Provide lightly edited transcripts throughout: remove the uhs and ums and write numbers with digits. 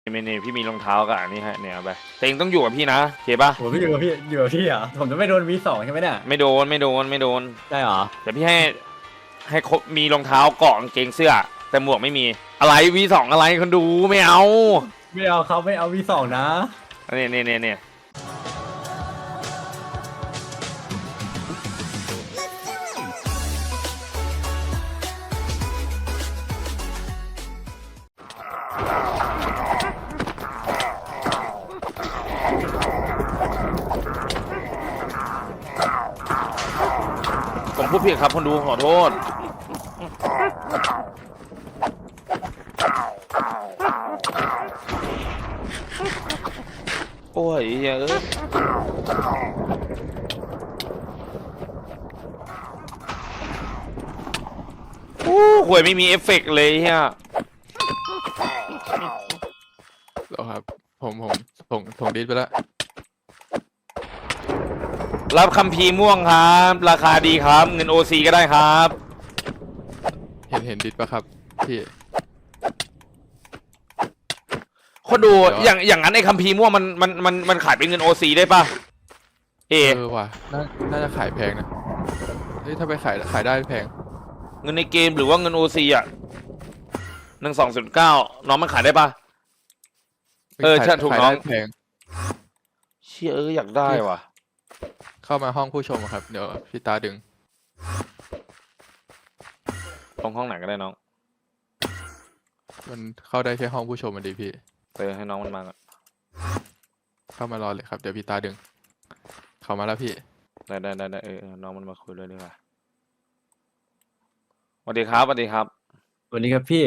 นี่พี่มีรองเท้ากับอันนี้ให้เนี่ยเอาไปแต่เองต้องอยู่กับพี่นะโอเคปะโหพี่อยู่กับพี่เหรอผมจะไม่โดน V2 ใช่ไหมเนี่ยไม่โดนได้เหรอแต่พี่ให้ครบมีรองเท้าเกาะกางเกงเสื้อแต่หมวกไม่มีอะไร V2 อะไรคนดูไม่เอาไม่เอาเขาไม่เอา V2 นะเนี่ยผมพูดผิดครับคนดูขอโทษโอ้ยเอ้ยโอ้ห่วยไม่มีเอฟเฟกต์เลยเฮียแล้วครับผมส่งดิสไปแล้วรับคัมภีร์ม่วงครับราคาดีครับเงินโอซีก็ได้ครับเห็นดิสปะครับพี่คนดูอย่างนั้นไอ้คัมภีร์ม่วงมันขายเป็นเงินโอซีได้ปะว่ะน่าจะขายแพงนะเฮ้ยถ้าไปขายได้แพงเงินในเกมหรือว่าเงินโอซีอ่ะ12.9น้องมันขายได้ปะใช่ถูกน้องแพงเชี่ยอยากได้ว่ะเข้ามาห้องผู้ชมครับเดี๋ยวพี่ตาดึงตรงห้องไหนก็ได้น้องมันเข้าได้แค่ห้องผู้ชมมันดีพี่ให้น้องมันมาก่อนเข้ามารอเลยครับเดี๋ยวพี่ตาดึงเข้ามาแล้วพี่ได้น้องมันมาคุยด้วยดีกว่าสวัสดีครับวันนี้ครับพี่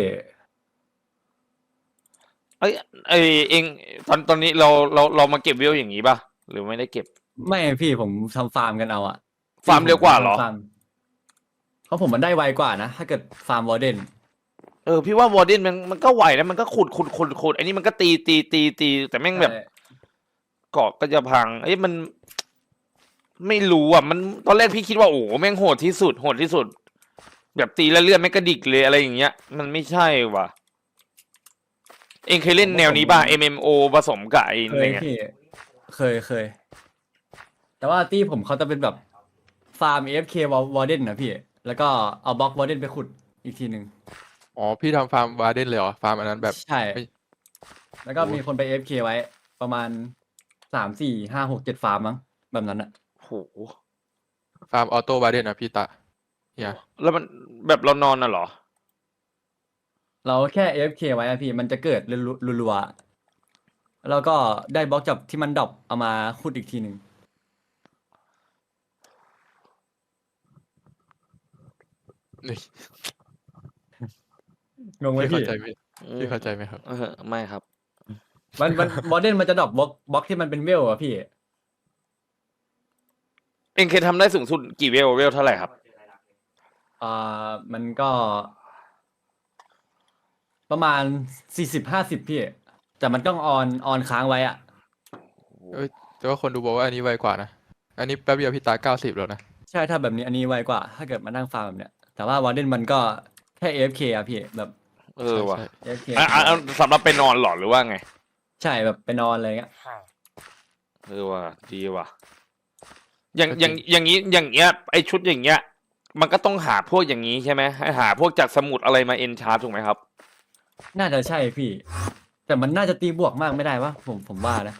เองตอนนี้เรามาเก็บวิวอย่างนี้ป่ะหรือไม่ได้เก็บไม่พี่ผมทำฟาร์มกันเอาอะฟาร์มเร็วกว่าเหรอเพราะผมมันได้ไวกว่านะถ้าเกิดฟาร์มวอร์เดนพี่ว่าวอร์เดนมันก็ไหวนะมันก็ขุดไอ้นี่มันก็ตีแต่แม่งแบบเกาะก็จะพังมันไม่รู้อ่ะมันตอนแรกพี่คิดว่าโอ้แม่งโหดที่สุดแบบตีแล้วเลือดไม่กระดิกเลยอะไรอย่างเงี้ยมันไม่ใช่ว่ะเองเคยเล่นแนวนี้ป่ะ MMO ผสมกับไอ้อะไรเงี้ยเคยแต่ว่าที่ผมเขาจะเป็นแบบฟาร์ม AFK วอร์เดนนะพี่แล้วก็เอาบล็อกวอร์เดนไปขุดอีกทีหนึ่งอ๋อพี่ทำฟาร์มวาร์เดนเลยเหรอฟาร์มอันนั้นแบบใช่แล้วก็มีคนไป AFK ไว้ประมาณ3 4 5 6 7ฟาร์มมั้งแบบนั้นอะโหฟาร์มออโต้วาร์เดนนะพี่ตาเนี่ยแล้วมันแบบเรานอนน่ะเหรอเราแค่ AFK ไว้อะพี่มันจะเกิดรัวๆแล้วก็ได้บล็อกจับที่มันดรอปเอามาขุดอีกทีหนึ่งนี่งงไหมพี่พี่เข้าใจไหมครับไม่ครับมันวอร์เดนมันจะดรอปบล็อกที่มันเป็นเวลอะพี่เองเคยทำได้สูงสุดกี่เวลเท่าไหร่ครับมันก็ประมาณ40-50พี่แต่มันต้องออนค้างไว้อะแต่ว่าคนดูบอกว่าอันนี้ไวกว่านะอันนี้แป๊บเดียวพี่ตา90แล้วนะใช่ถ้าแบบนี้อันนี้ไวกว่าถ้าเกิดมานั่งฟาร์มแบบเนี้ยแต่ว่าวอร์เดนมันก็แค่ AFK อะพี่แบบว่ะ AFK สำหรับไปนอนหรอหรือว่าไงใช่แบบไปนอนอะไรเงี้ยว่ะดีว่ะอย่างนี้อย่างเงี้ยไอชุดอย่างเงี้ยมันก็ต้องหาพวกอย่างนี้ใช่ไหมให้หาพวกจากสมุดอะไรมาเอนชาร์ถูกไหมครับน่าจะใช่พี่แต่มันน่าจะตีบวกมากไม่ได้วะผมว่านะ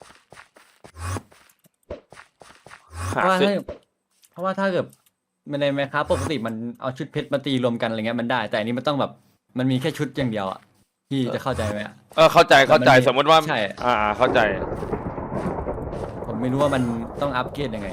เพราะว่าถ้าเกิดมันในแมคคาปกติมันเอาชุดเพชรมาตีรวมกันอะไรเงี้ยมันได้แต่อันนี้มันต้องแบบมันมีแค่ชุดอย่างเดียวอ่ะพี่จะเข้าใจไหมเข้าใจสมมติว่าใช่เข้าใจผมไม่รู้ว่ามันต้องอัปเกรดยังไง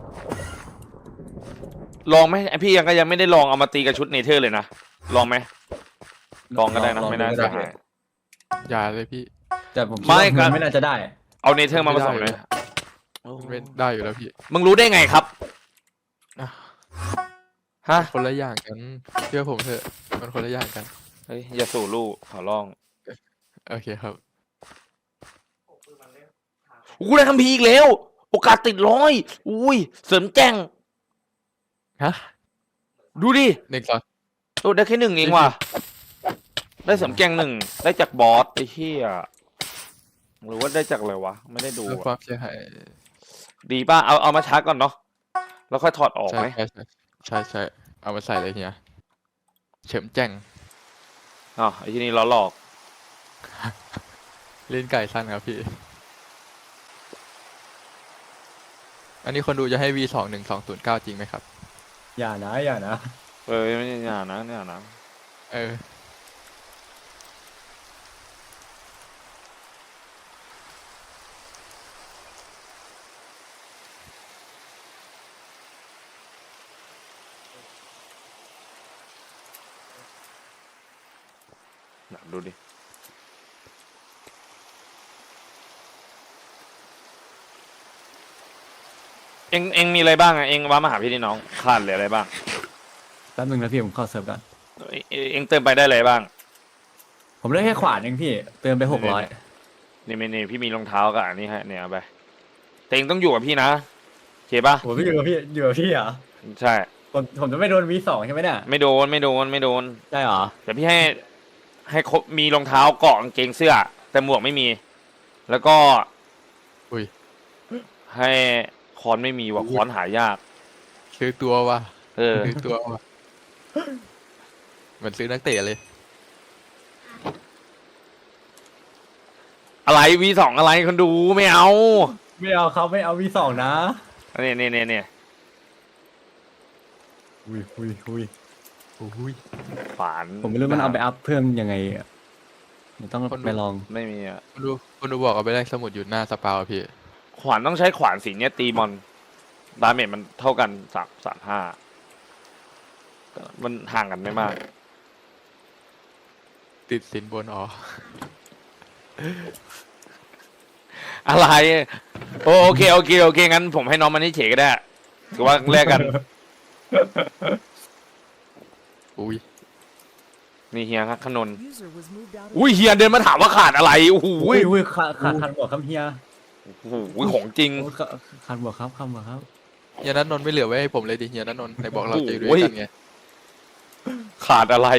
ลองไหมพี่ยังไม่ได้ลองเอามาตีกับชุดเนเธอร์เลยนะลองไหมลองก็ได้นะไม่น่าเสียหายอย่าเลยพี่แต่ผมไม่น่าจะได้เอาเนเธอร์มาผสมเลยไม่ได้อยู่แล้วพี่มึงรู้ได้ไงครับฮะคนละอย่างกันเชื่อผมเถอะมันคนละอย่างกันเฮ้ยอย่าสู่ลูกขอร้องโอเคครับกูได้คัมภีร์อีกแล้วโอกาสติด100อุ้ยเสริมแจ้งฮะดูดิ 1 ได้แค่1เองว่ะได้เสริมแจ้ง1ได้จากบอสไอ้เหี้ยหรือว่าได้จากอะไรวะไม่ได้ดูเรื่องคอะวามเสียหายดีป่ะเอามาชาร์จก่อนเนาะแล้วค่อยถอดออกใช่ไหมใช่เอามาใส่เลยเฮียเฉิมแจ้งอ๋อไอ้ที่นี่ล้อหลอกเล่นไก่สั้นครับพี่ อันนี้คนดูจะให้ V21209 จริงไหมครับอย่านะไม่ใช่อย่านะเนี่ยนะเออหนักดูดิเองมีอะไรบ้างอะเองว่ามาหาพี่นี่น้องขาดเหลืออะไรบ้างแป๊บนึงนะพี่ผมเข้าเซิร์ฟก่อนเองเติมไปได้อะไรบ้างผมได้แค่ขวานเองพี่เติมไป600 นี่พี่มีรองเท้ากับอันนี้ให้เนี่ยเอาไปแต่เองต้องอยู่กับพี่นะโอเคป่ะผมไม่อยู่กับพี่เหรอใช่ผมจะไม่โดน V2 ใช่ไหมเนี่ยไม่โดนได้เหรอแต่พี่ให้ครบมีรองเท้าเกาะกางเกงเสื้อ แต่หมวกไม่มี แล้วก็อุ้ยให้คอนไม่มีว่ะคอนหายากซื้อตัวว่ะเออซื้อตัวว่ะเหมือนซื้อนักเตะเลยอะไร V2 อะไรคนดูไม่เอาไม่เอาครับไม่เอา V2 นะเนี่ยอุ้ยอุ้ยฝานผมไม่รู้มันเอาไปอัพเพิ่มยังไงอะเดี๋ยวต้องคนดูไปลองไม่มีอ่ะคุณดูบอกเอาไปแลกสมุดอยู่หน้าสปาวอะพี่ขวานต้องใช้ขวานสีเนี้ยตีมอนดาเมจมันเท่ากัน35มันห่างกันไม่มากติดสินบนอ๋ออะไรโอเคงั้นผมให้น้องมันนี่เฉยก็ได้ถือว่าแลกกันอุ้ยนี่เฮียครับขนน User was moved out of อุ้ยเฮียเดินมาถามว่าขาดอะไรโอ้โหอุ้ยขาดบวกครับเฮียโอ้โหของจริงโอ้ขาดบวกครับขาดบวกครับเฮียนัทนนท์ไม่เหลือไว้ให้ผมเลยดิเฮียนัทนนท์ไหนบอกเราจะอยู่ด้โอ้วยยกันไงขาดอะไร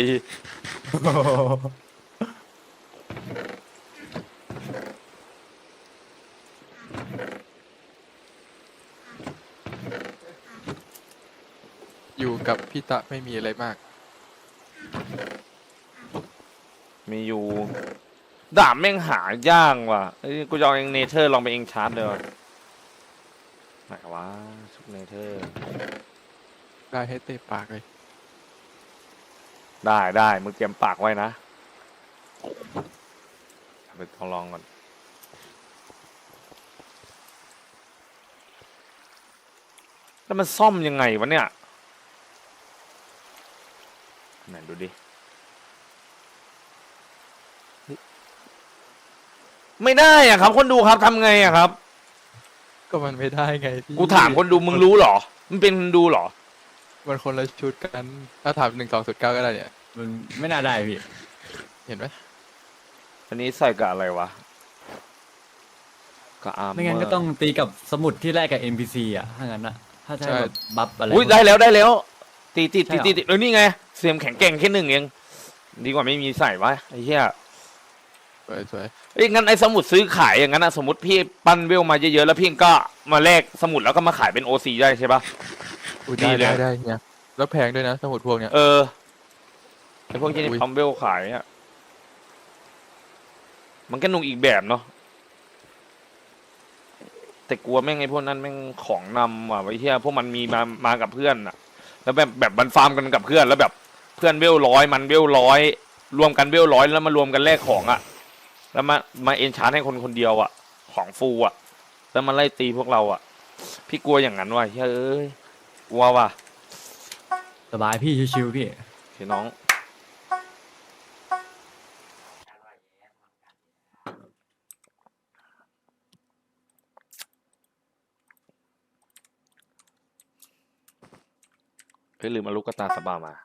อยู่กับพี่ตะไม่มีอะไรมากมีอยู่ดาบแม่งหายากว่ะเอ้ยกูจะเอาเองเนเธอร์ลองไปเองชาร์จเลยว่ะไหนวะชุดเนเธอร์ได้ให้เตะปากเลยได้มึงเตรียมปากไว้นะไปลองก่อนแล้วมันซ่อมยังไงวะเนี่ยไหนดูดิเฮ้ยไม่ได้อะครับ คนดูครับทำไงอะครับก็มันไม่ได้ไงพี่กูถามคนดูมึงรู้เหรอมันเป็นคนดูเหรอมันคนละชุดกัน ถ้าถาม1209ก็ได้เนี่ยมันไม่น่าได้พี่เห็นไหมอันนี้ใส่กับอะไรวะกับอาร์มไม่งั้นก็ต้องตีกับสมุดที่แลกกับ NPC อ่ะถ้างั้นอ่ะถ้าจะให้แบบบัฟอะไรอุ้ยได้แล้วตีใช่เหรอเออนี่ไงเสียมแข็งแกร่งแค่1เองดีกว่าไม่มีใส่วะไอ้เหี้ยสวยเอ้ยงั้นไอ้สมุดซื้อขายอย่างนั้นนะสมมติพี่ปั้นเวลมาเยอะๆแล้วพี่ก็มาแลกสมุดแล้วก็มาขายเป็นโอซีได้ใช่ปะๆอุ้ยดีเลยได้เนี่ยแล้วแพงด้วยนะสมุดพวกเนี้ยเออไอ้พวกที่นี่อุ๊ยทำเวลขายอ่ะมันก็นุ่งอีกแบบเนาะแต่กลัวแม่งไอ้พวกนั้นแม่งของนำว่ะไอ้เหี้ยพวกมันมีมากับเพื่อนอ่ะ แล้วแบบมันฟาร์มกันกับเพื่อนแล้วแบบเพื่อนเวล100มันเวล100รวมกันเวล100แล้วมารวมกันแลกของอ่ะ แล้วมาเอนชาร์ให้คนเดียวอ่ะ ของฟูอ่ะ แล้วมาไล่ตีพวกเราอ่ะ พี่กลัวอย่างนั้นว่ะเฮ้ยเอ้ยกลัวว่ะสบายพี่ชิวๆพี่พี่น้องเฮ้ยลืมมาลูกกระตาสบามา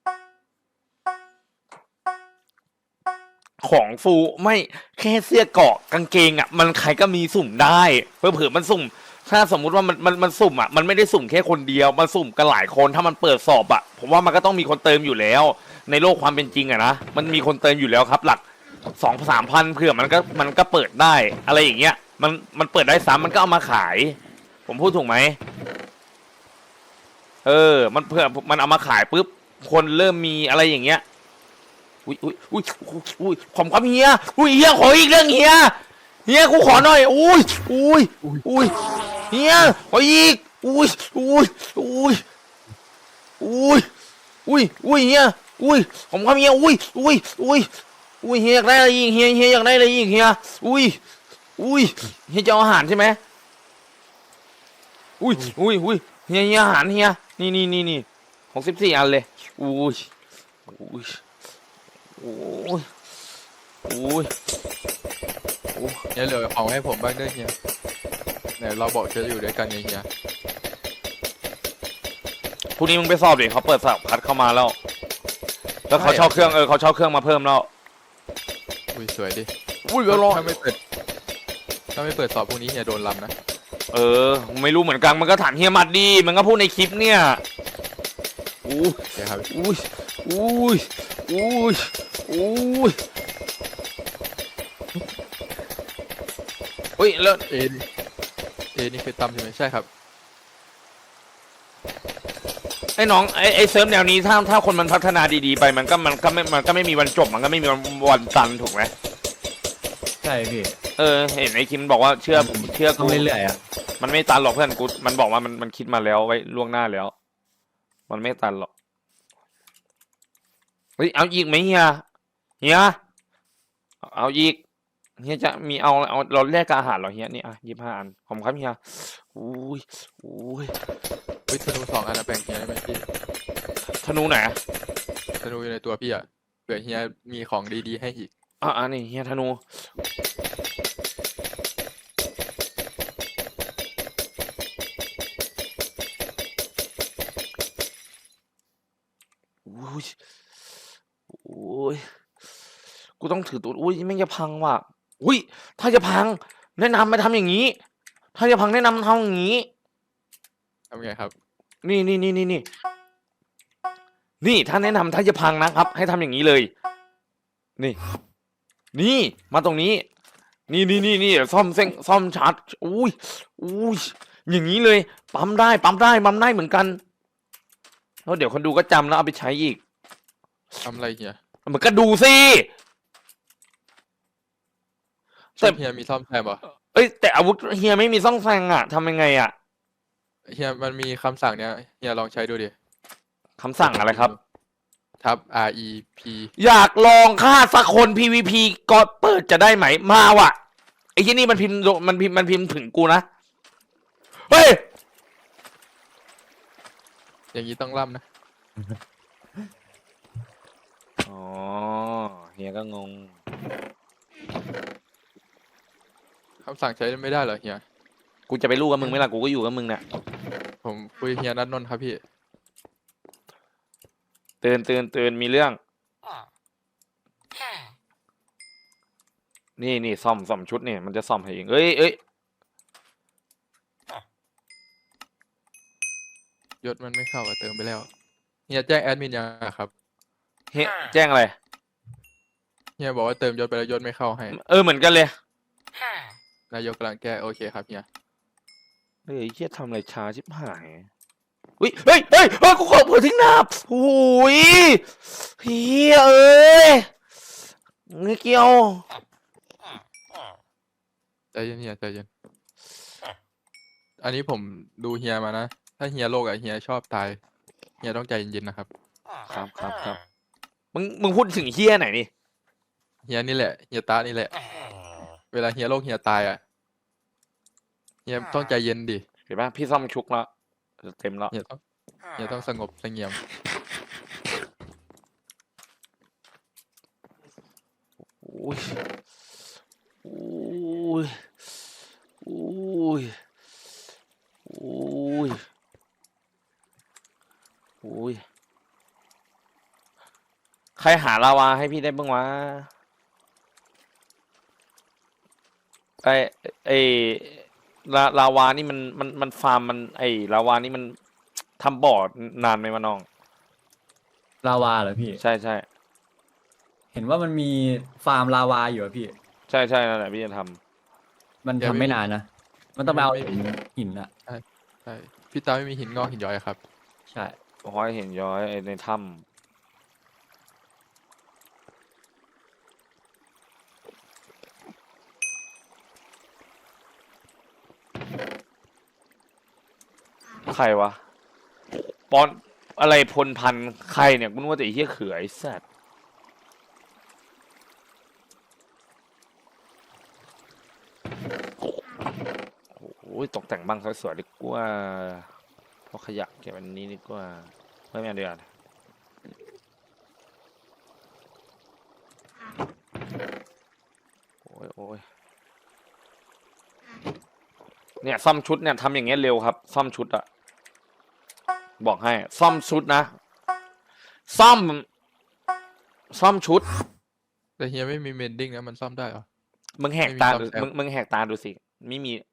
ของฟูไม่แค่เสื้อเกราะกางเกงอ่ะ มันใครก็มีสุ่มได้เผื่อมันสุ่ม ถ้าสมมุติว่ามันสุ่มอ่ะมันไม่ได้สุ่มแค่คนเดียวมันสุ่มกันหลายคนถ้ามันเปิดสอบอ่ะผมว่ามันก็ต้องมีคนเติมอยู่แล้ว ในโลกความเป็นจริงอ่ะนะมันมีคนเติมอยู่แล้วครับ ห 2-3 พันเผื่อมันก็เปิดได้อะไรอย่างเงี้ยมันเปิดได้ซ้ำมันก็เอามาขาย ผมพูดถูกไหมมันเผื่อมันเอามาขายปุ๊บคนเริ่มมีอะไรอย่างเงี้ยอุ้ยความเฮียเฮียขออีกเรื่องเฮียกูขอหน่อยอุ้ยเฮียขออีกอุ้ยเฮียผมความเฮียอุ้ยเฮียอยากได้อะไรอีกเฮียอยากได้อะไรอีกเฮียอุ้ยเฮียจะเอาอาหารใช่ไหมอุ้ยเฮียอาหารเฮียนี่ของ14 อันเลยอุ้ยเนี่ยเหลือของให้ผมบ้างด้วยเฮียเนี่ยเราบอกจะอยู่ด้วยกันไงเฮียพรุ่งนี้มึงไปสอบดิเขาเปิดสอบคัดเข้ามาแล้วเขาเช่าเครื่องเขาเช่าเครื่องมาเพิ่มแล้วอุ้ยสวยดิเดี๋ยวรอถ้าไม่เปิดสอบพรุ่งนี้เฮียโดนลำนะไม่รู้เหมือนกันมันก็ถามเฮียมัดดีมันก็พูดในคลิปเนี่ยครับแล้วเอนี่คือตั้มใช่ไหมใช่ครับไอ้น้องไอ้เซิร์ฟแนวนี้ถ้าคนมันพัฒนาดีๆไปมันก็ไม่มีวันจบมันก็ไม่มีวันตันถูกไหมใช่พี่เห็นไอ้คิมบอกว่าเชื่อต้องเรื่อยๆอ่ะมันไม่ตันหรอกเพื่อนกูมันบอกว่ามันคิดมาแล้วไว้ล่วงหน้าแล้วมันไม่ตันหรอกเฮ้ยเอาอีกไหมเฮียเอาอีกเฮียจะมีเอาเราแลกกับอาหารเหรอเฮียนี่25 อันขอบคุณครับเฮียอุ้ยธนู2 อันนะแบ่งเฮียได้ไหมพี่ธนูไหนธนูอยู่ในตัวพี่อ่ะเผื่อเฮียมีของดีๆให้อีกนี่เฮียธนูกูต้องถือตัวไม่จะพังว่ะถ้าจะพังแนะนำมาทำอย่างนี้ถ้าจะพังแนะนำทำอย่างนี้ทำไงครับนี่ถ้าแนะนำถ้าจะพังนะครับให้ทำอย่างนี้เลยนี่มาตรงนี้นี่ซ่อมชาร์จอุ้ยอย่างนี้เลยปั๊มได้เหมือนกันแล้วเดี๋ยวคนดูก็จำแล้วเอาไปใช้อีกทำอะไรเฮียมันก็ดูสิแต่เฮียมีซ่อมแซมป่ะแต่อาวุธเฮียไม่มีซ่อมแซมทำยังไงเฮียมันมีคำสั่งเนี้ยเฮียลองใช้ดูดิคำสั่งอะไรครับทับ REP อยากลองฆ่าสักคน PVP ก็เปิดจะได้ไหมมาว่ะไอ้ที่นี่มันพิมพ์ถึงกูนะเฮ้ยอย่างนี้ต้องล่ำนะเฮียก็งงคำสั่งใช้ไม่ได้เหรอเฮียกูจะไปรู้กับมึงไหมล่ะกูก็อยู่กับมึงเนี่ยผมคุยเฮียนัทนนท์ครับพี่ตื่นมีเรื่องนี่ซ่อมชุดเนี่ยมันจะซ่อมให้เองเอ้ยยศมันไม่เข้าเติมไปแล้วเฮียแจ้งแอดมินยังครับเฮียแจ้งอะไรเฮียบอกว่าเติมยศไปแล้วยศไม่เข้าให้เหมือนกันเลยนายกกำลังแก้โอเคครับเฮียเฮียทำอะไรช้าชิบหายเฮ้ยกูขอเปิดทิ้งน้ำโอ้ยเฮียเงี้ยเกี่ยวใจเย็นเฮียใจเย็นอันนี้ผมดูเฮียมานะถ้าเฮียโลกเฮียชอบตายเฮียต้องใจเย็นๆนะครับครับมึงพูดถึงเฮียไหนนี่เฮียนี่แหละเฮียตานี่แหละเวลาเฮียโลกเฮียตายเฮียต้องใจเย็นดิเห็นปะพี่ซ่อมชุกแล้วเต็มแล้วเฮียต้องสงบเสงี่ยมอุ้ยใครหาลาวาให้พี่ได้บ้างวะลาวานี่มันฟาร์มลาวานี่มันทำบ่อนานไหมวะน้องลาวาเหรอพี่ใช่เห็นว่ามันมีฟาร์มลาวาอยู่อะพี่ใช่ใช่นั่นแหละพี่จะทมันทำไม่นานนะ มันต้องไปเอาหินอะใช่พี่ตาไม่มีหินงอกหินย้อยครับใช่ำห้อยเห็นย้อยไอ้ในถ้ำใครวะปอนอะไรพลพันธุ์ใครเนี่ยกูนึกว่าแต่ไอ้เหี้ยเขือไอ้สัตว์โอ้ยตกแต่งบ้างสวยๆดีกว่าเพราะขยะเก็บอันนี้ดีกว่าไม่เอาดีกว่าโอ้ยโอ้ยเนี่ยซ่อมชุดเนี่ยทำอย่างเงี้ยเร็วครับ ซ่อมชุดอะบอกให้ ซ่อมชุดนะ ซ่อมชุดแต่เฮียไม่มีเมนดิ้งนะมันซ่อมได้เหรอมึงแหกตาไม่มีซ่อมแซมมึงแหกตาดูสิไม่มี